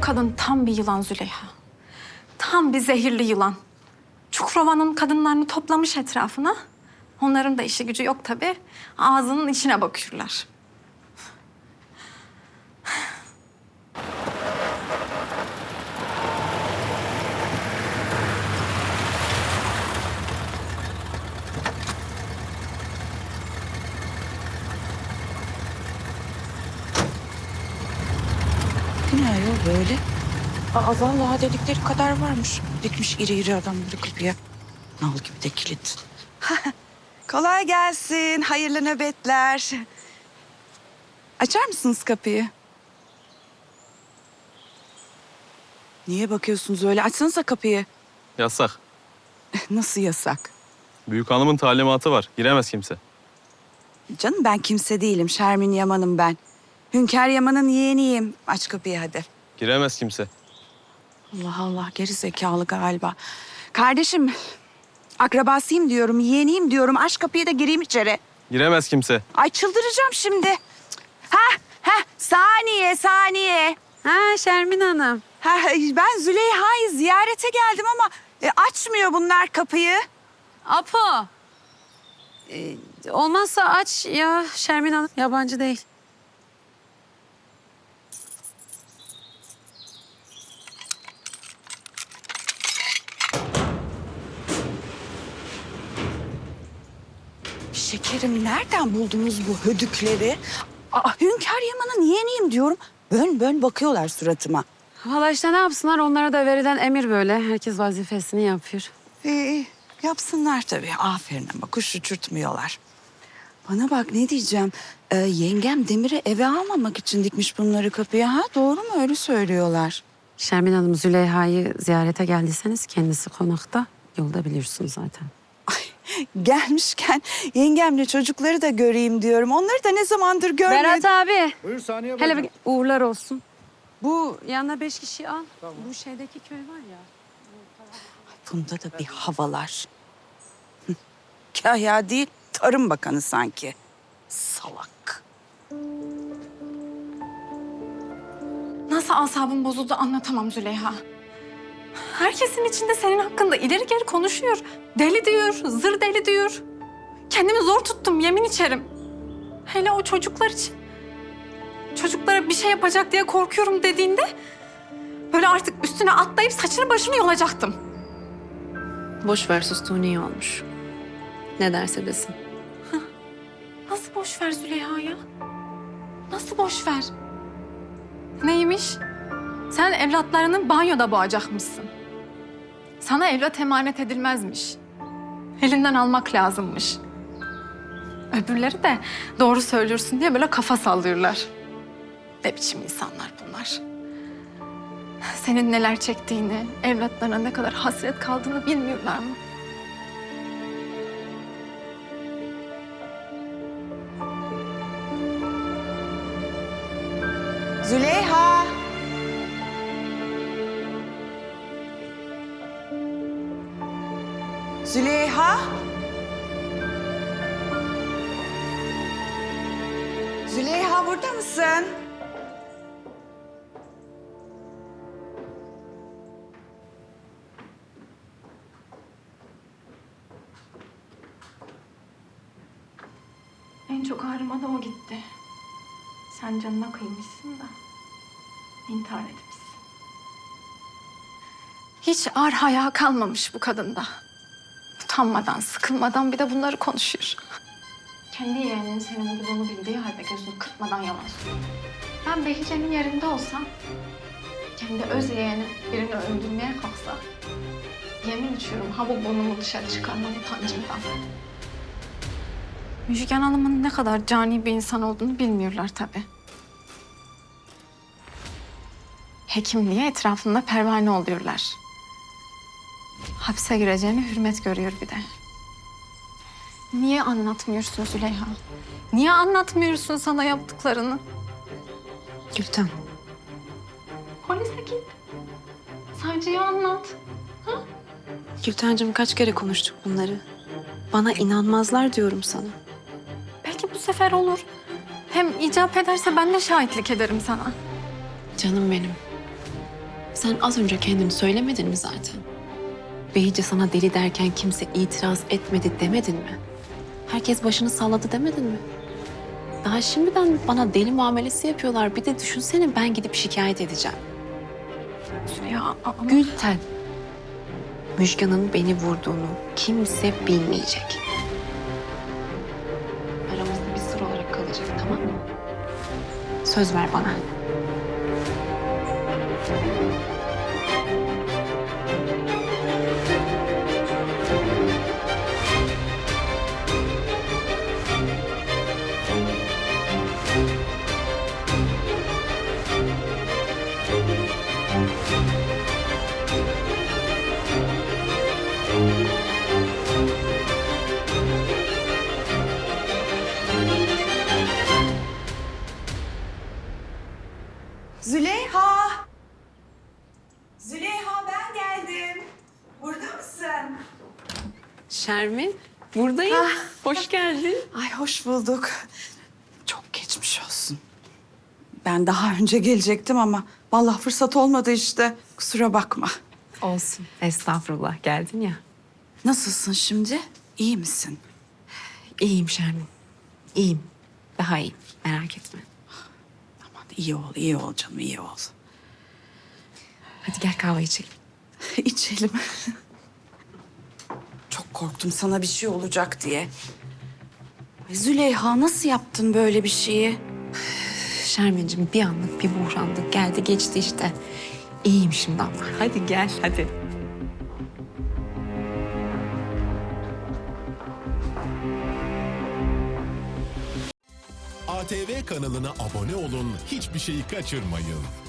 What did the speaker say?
kadın tam bir yılan Züleyha. Tam bir zehirli yılan. Çukurova'nın kadınlarını toplamış etrafına. Onların da işi gücü yok tabii. Ağzının içine bakıyorlar. Ne ayol böyle? Aa, vallahi dedikleri kadar varmış. Dikmiş iri iri adamları kapıya. Nal gibi de kilit. Kolay gelsin. Hayırlı nöbetler. Açar mısınız kapıyı? Niye bakıyorsunuz öyle? Açsanıza kapıyı. Yasak. Nasıl yasak? Büyük hanımın talimatı var. Giremez kimse. Canım ben kimse değilim. Şermin Yaman'ım ben. Hünkâr Yaman'ın yeğeniyim. Aç kapıyı hadi. Giremez kimse. Allah Allah, geri zekalı galiba. Kardeşim, akrabasıyım diyorum, yeğeniyim diyorum. Aç kapıyı da gireyim içeri. Giremez kimse. Ay çıldıracağım şimdi. Saniye. Ha Şermin Hanım. Ben Züleyha'yı ziyarete geldim ama açmıyor bunlar kapıyı. Apo. Olmazsa aç ya Şermin Hanım. Yabancı değil. Şekerim, nereden buldunuz bu hödükleri? Hünkâr Yaman'ın yeğeniyim diyorum. Bön bakıyorlar suratıma. Valla işte ne yapsınlar, onlara da verilen emir böyle. Herkes vazifesini yapıyor. Yapsınlar tabii. Aferin, ama kuş uçurtmuyorlar. Bana bak, ne diyeceğim. Yengem Demir'i eve almamak için dikmiş bunları kapıya. Ha, doğru mu? Öyle söylüyorlar. Şermin Hanım, Züleyha'yı ziyarete geldiyseniz kendisi konakta. Yolda biliyorsunuz zaten. Gelmişken yengemle çocukları da göreyim diyorum. Onları da ne zamandır görmedim. Berat abi. Buyur Saniye Hele Bey. bir uğurlar olsun. Bu yanına 5 kişi al. Bu şeydeki köy var ya. Bunda da bir havalar. Kahya değil, Tarım Bakanı sanki. Salak. Nasıl asabım bozuldu anlatamam Züleyha. Herkesin içinde senin hakkında ileri geri konuşuyor. Deli diyor, zır deli diyor. Kendimi zor tuttum, yemin içerim. Hele o çocuklar için. Çocuklara bir şey yapacak diye korkuyorum dediğinde... ...böyle artık üstüne atlayıp saçını başını yolacaktım. Boş ver, sustuğun iyi olmuş. Ne derse desin. Nasıl boş ver Züleyha ya? Nasıl boş ver? Neymiş? Sen evlatlarını banyoda boğacakmışsın. Sana evlat emanet edilmezmiş. Elinden almak lazımmış. Öbürleri de doğru söylüyorsun diye böyle kafa sallıyorlar. Ne biçim insanlar bunlar? Senin neler çektiğini, evlatlarına ne kadar hasret kaldığını bilmiyorlar mı? Züleyha. Züleyha. Züleyha, burada mısın? En çok ağrıma da o gitti. Sen canına kıymışsın da intihar etmişsin. Hiç ar haya kalmamış bu kadında. Utanmadan, sıkılmadan bir de bunları konuşuyor. Kendi yeğeninin senin olduğunu bildiği halde gözünü kırpmadan yalan söylüyor. Ben Behice'nin yerinde olsam, kendi öz yeğeni birini öldürmeye kalksa, yemin içiyorum ha bu burnumu dışarı çıkarmam utancımdan. Müjgan Hanım'ın ne kadar cani bir insan olduğunu bilmiyorlar tabii. Hekimliğe etrafında pervane oluyorlar. Hapse gireceğine hürmet görüyor bir de. Niye anlatmıyorsun Züleyha? Niye anlatmıyorsun sana yaptıklarını? Gülten. Polise git. Savcıya anlat. Gültencim, kaç kere konuştuk bunları. Bana inanmazlar diyorum sana. Belki bu sefer olur. Hem icap ederse ben de şahitlik ederim sana. Canım benim. Sen az önce kendini söylemedin mi zaten? Behice sana deli derken kimse itiraz etmedi demedin mi? Herkes başını salladı demedin mi? Daha şimdiden bana deli muamelesi yapıyorlar. Bir de düşünsene ben gidip şikayet edeceğim. Züleyha ama... Gülten, Müjgan'ın beni vurduğunu kimse bilmeyecek. Aramızda bir sır olarak kalacak, tamam mı? Söz ver bana. Züleyha! Züleyha ben geldim. Burada mısın? Şermin, buradayım. Hoş geldin. Ay hoş bulduk. Çok geçmiş olsun. Ben daha önce gelecektim ama vallahi fırsat olmadı işte. Kusura bakma. Olsun. Estağfurullah, geldin ya. Nasılsın şimdi? İyi misin? İyiyim Şermin. İyiyim. Daha iyiyim. Merak etme. Aman iyi ol canım, iyi ol. Hadi gel kahve içelim. İçelim. Çok korktum sana bir şey olacak diye. Ay Züleyha nasıl yaptın böyle bir şeyi? Şermin'cim bir anlık bir buhrandık. Geldi geçti işte. İyiyim şimdi ama. Hadi gel hadi. ATV kanalına abone olun, hiçbir şeyi kaçırmayın.